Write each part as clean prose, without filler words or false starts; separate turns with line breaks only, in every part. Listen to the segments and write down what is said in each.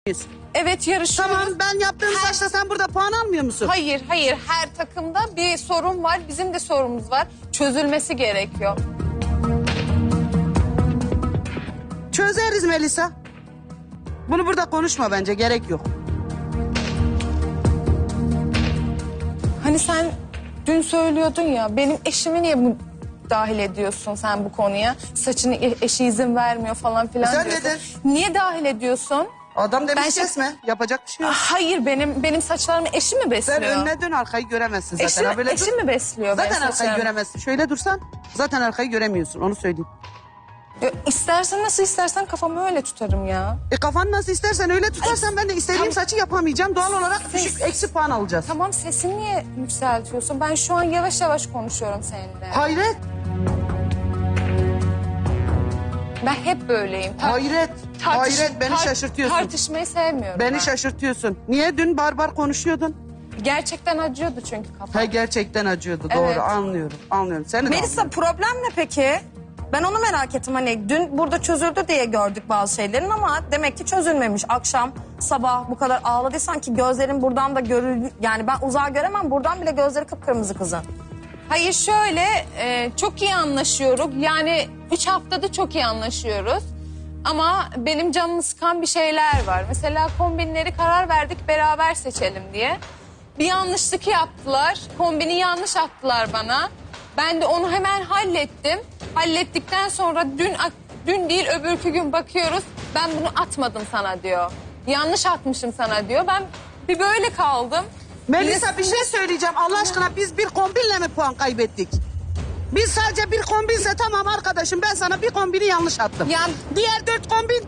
Evet, yarışıyoruz.
Tamam, ben yaptığım saçta sen burada puan almıyor musun?
Hayır, hayır. Her takımda bir sorun var. Bizim de sorunumuz var. Çözülmesi gerekiyor.
Çözeriz Melisa. Bunu burada konuşma bence, gerek yok.
Hani sen dün söylüyordun ya, benim eşimi niye dahil ediyorsun sen bu konuya? Saçını eşi izin vermiyor falan filan
Sen
diyorsun.
dedin.
Niye dahil ediyorsun?
Adam demiş
Ben
kesme, yapacak bir şey yok.
Hayır, benim saçlarımı eşim mi besliyor?
Sen önüne dön, arkayı göremezsin zaten.
Eşim,
Ha, böyle
eşim mi besliyor
Zaten
benim
arkayı
saçlarımı?
göremezsin. Şöyle dursan zaten arkayı göremiyorsun, onu söyleyeyim.
İstersen nasıl istersen kafamı öyle tutarım ya.
Kafanı nasıl istersen öyle tutarsan ben de istediğim saçı yapamayacağım. Doğal olarak düşük eksi puan alacağız.
Tamam, sesini niye yükseltiyorsun? Ben şu an yavaş yavaş konuşuyorum seninle.
Hayret,
Ben hep böyleyim.
hayret, hayret, beni şaşırtıyorsun.
Tartışmayı sevmiyorum ben.
Beni şaşırtıyorsun. Niye dün barbar konuşuyordun?
Gerçekten acıyordu çünkü kafam.
Ha, gerçekten acıyordu,
Evet.
doğru, anlıyorum, anlıyorum. Seni de
Melisa, problem ne peki? Ben onu merak ettim. Hani dün burada çözüldü diye gördük bazı şeylerin ama demek ki çözülmemiş. Akşam, sabah bu kadar ağladıysan ki gözlerin buradan da görül... Yani ben uzağa göremem, buradan bile gözleri kıpkırmızı kızın.
Hayır, şöyle çok iyi anlaşıyoruz. Yani 3 haftada çok iyi anlaşıyoruz. Ama benim canımı sıkan bir şeyler var. Mesela kombinleri karar verdik beraber seçelim diye. Bir yanlışlık yaptılar. Kombini yanlış attılar bana. Ben de onu hemen hallettim. Hallettikten sonra dün değil öbürkü gün bakıyoruz. Ben bunu atmadım sana diyor. Yanlış atmışım sana diyor. Ben bir böyle kaldım.
Melisa, bir şey söyleyeceğim. Allah aşkına, biz bir kombinle mi puan kaybettik? Biz sadece bir kombinse tamam arkadaşım, ben sana bir kombini yanlış attım.
Ya-
Diğer 4 kombin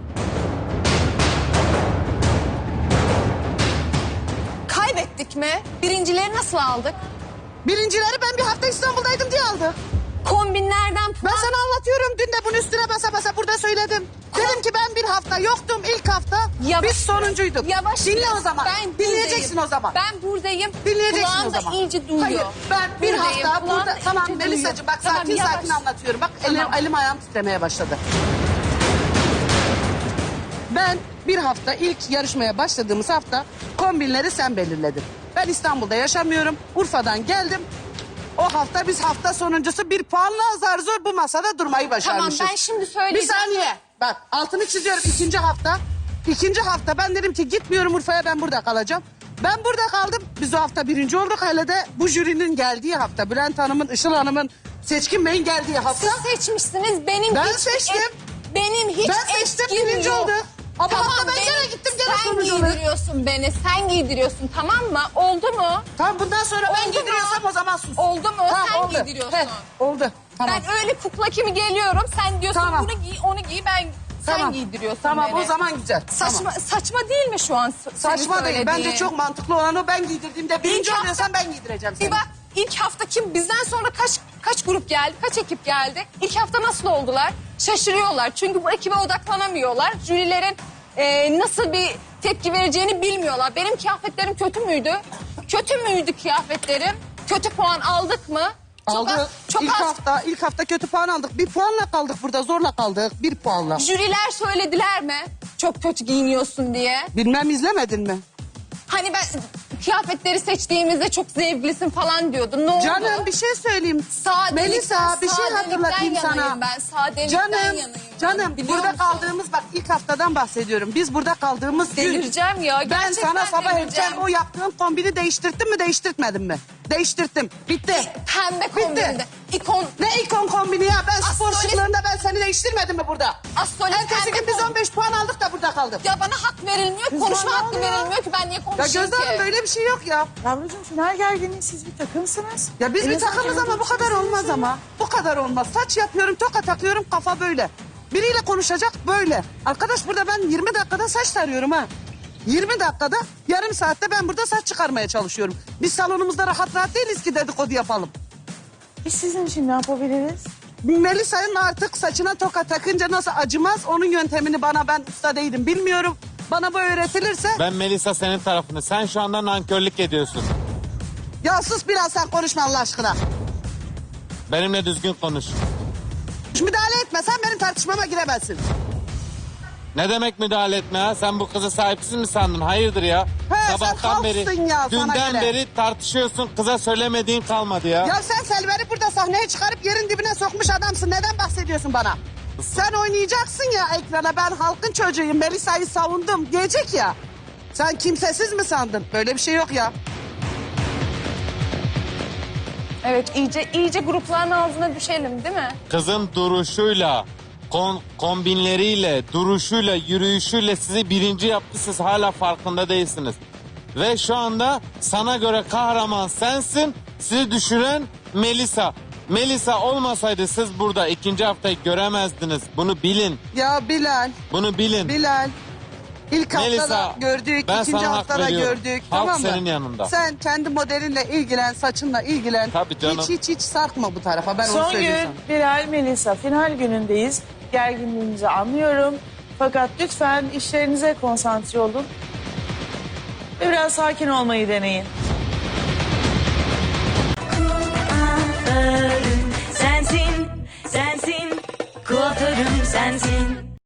Kaybettik mi? Birincileri nasıl aldık?
birincileri ben bir hafta İstanbul'daydım diye aldı.
Kombinlerden
Ben
puan...
sana anlatıyorum, dün de bunun üstüne basa basa burada söyledim. Dedim ki ben bir hafta yoktum, ilk hafta
Yavaş
biz sonuncuyduk.
Yavaş
Dinle
biraz.
o zaman,
Ben
dinleyeceksin
buradayım.
o zaman.
Ben buradayım.
Dinleyeceksin
Kulağım
o
da
zaman.
iyice duyuyor.
Hayır, ben bir
Buradayım,
hafta
kulağım
burada...
da
Tamam
iyice
Melisa'cığım, bak
duyuyor.
sakin
Tamam,
sakin
yavaş.
anlatıyorum. Bak
Tamam.
elim ayağım titremeye başladı. Ben bir hafta, ilk yarışmaya başladığımız hafta kombinleri sen belirledin. Ben İstanbul'da yaşamıyorum. Urfa'dan geldim. O hafta biz hafta sonuncusu bir puanla zar zor bu masada durmayı başarmışız.
Tamam, ben şimdi
Bir
söyleyeceğim.
saniye. Bak altını çiziyorum, ikinci hafta. İkinci hafta ben dedim ki gitmiyorum Urfa'ya, ben burada kalacağım. Ben burada kaldım. Biz o hafta birinci olduk. Hele de bu jürinin geldiği hafta. Bülent Hanım'ın, Işıl Hanım'ın, Seçkin Bey'in geldiği hafta.
Siz seçmişsiniz. Benim
Ben
hiç
seçtim.
benim hiç
Ben seçtim,
etkim
birinci
yok.
oldu. Ama
Tamam,
hafta ben gene gittim, gene
sen
sonucu olarak.
giydiriyorsun beni. Sen giydiriyorsun, tamam mı? Oldu mu?
Tamam, bundan sonra ben
Oldu mu?
giydiriyorsam o zaman sus.
Oldu mu?
Tamam,
Sen
oldu.
giydiriyorsun.
He, oldu. Tamam.
Ben öyle kukla kimi geliyorum. Sen diyorsun
Tamam.
bunu giy, onu giy. Sen
Tamam.
giydiriyorsun
Tamam,
beni.
o zaman güzel.
Saçma,
Tamam.
saçma değil mi şu an senin
Saçma değil.
söylediğin?
Bence çok mantıklı olan o. Ben giydirdiğimde birinci
hafta-
oluyorsan ben giydireceğim seni.
Bir bak, ilk hafta kim? Bizden sonra kaç grup geldi? Kaç ekip geldi? İlk hafta nasıl oldular? Şaşırıyorlar. Çünkü bu ekibe odaklanamıyorlar. Jürilerin nasıl bir tepki vereceğini bilmiyorlar. Benim kıyafetlerim kötü müydü? Kötü müydü kıyafetlerim? Kötü puan aldık mı?
Aldık.
Çok az.
İlk hafta kötü puan aldık. Bir puanla kaldık burada, zorla kaldık. Bir puanla.
Jüriler söylediler mi? Çok kötü giyiniyorsun diye.
Bilmem, izlemedin mi?
Hani ben kıyafetleri seçtiğimizde çok zevklisin falan diyordun. Ne oldu?
Canım, bir şey söyleyeyim. Melisa, bir şey hatırlatayım sana.
Ben sadelikten yanayım.
Canım,
biliyor
burada
musun?
kaldığımız, bak ilk haftadan bahsediyorum. Biz burada kaldığımız gün.
Delireceğim ya.
Ben
Gerçekten
sana sabah
delireceğim.
erken o yaptığın kombini değiştirttin mi, değiştirtmedin mi? Değiştirttim. Bitti.
Pembe kombinde. İkon.
Ne ikon kombini ya? Ben spor
Astrolist-
şıklarında ben seni değiştirmedim mi burada?
Astrolist
Ertesi
pembe
gün biz
kombin.
15 puan aldık da burada kaldık.
Ya bana hak verilmiyor, konuşma
bana
hakkı
oluyor.
verilmiyor ki ben niye
Ya
konuşayım
Gözde Hanım,
ki?
böyle bir şey yok ya.
Yavrucuğum, final gerginliği, siz bir takımsınız.
Ya biz
En
bir
azından
takımız ama bu
kendi
kadar
içinizde
olmaz
yaşayın.
ama. Bu kadar olmaz. Saç yapıyorum, toka takıyorum, kafa böyle. Biriyle konuşacak böyle. Arkadaş, burada ben 20 dakikada saç tarıyorum ha. 20 dakikada, yarım saatte ben burada saç çıkarmaya çalışıyorum. Biz salonumuzda rahat rahat değiliz ki dedikodu yapalım.
Biz sizin için ne yapabiliriz?
Melisa'nın artık saçına toka takınca nasıl acımaz, onun yöntemini bana, ben usta değilim, bilmiyorum. Bana bu öğretilirse...
Ben Melisa senin tarafını. Sen şu anda nankörlük ediyorsun.
Ya sus biraz, sen konuşma Allah aşkına.
Benimle düzgün konuş.
Müdahale etme, sen benim tartışmama giremezsin.
Ne demek müdahale etme ha? Sen bu kızı sahipsiz mi sandın? Hayırdır ya?
He, sen halksın ya, sana
dünden
göre.
beri tartışıyorsun. Kıza söylemediğin kalmadı ya.
Ya sen Selver'i burada sahneye çıkarıp yerin dibine sokmuş adamsın. Neden bahsediyorsun bana? Sen oynayacaksın ya ekrana. Ben halkın çocuğuyum. Melisa'yı savundum diyecek ya. Sen kimsesiz mi sandın? Böyle bir şey yok ya.
Evet, iyice grupların ağzına düşelim değil mi?
Kızın duruşuyla, kombinleriyle, duruşuyla, yürüyüşüyle sizi birinci yaptı. Siz hala farkında değilsiniz. Ve şu anda sana göre kahraman sensin. Sizi düşüren Melisa. Melisa olmasaydı siz burada ikinci haftayı göremezdiniz. Bunu bilin.
Ya Bilal,
Bunu bilin.
Bilal. İlk haftada
Melisa,
gördük,
ben
ikinci
sana hak
haftada
veriyorum.
gördük.
Halk
tamam mı?
senin yanında.
Sen kendi modelinle ilgilen, saçınla ilgilen.
Tabii canım.
Hiç sarkma bu tarafa. Ben onu
Son
söyleyeyim
gün
sana.
Bilal, Melisa final günündeyiz. Gerginliğinizi anlıyorum. Fakat lütfen işlerinize konsantre olun. Ve biraz sakin olmayı deneyin.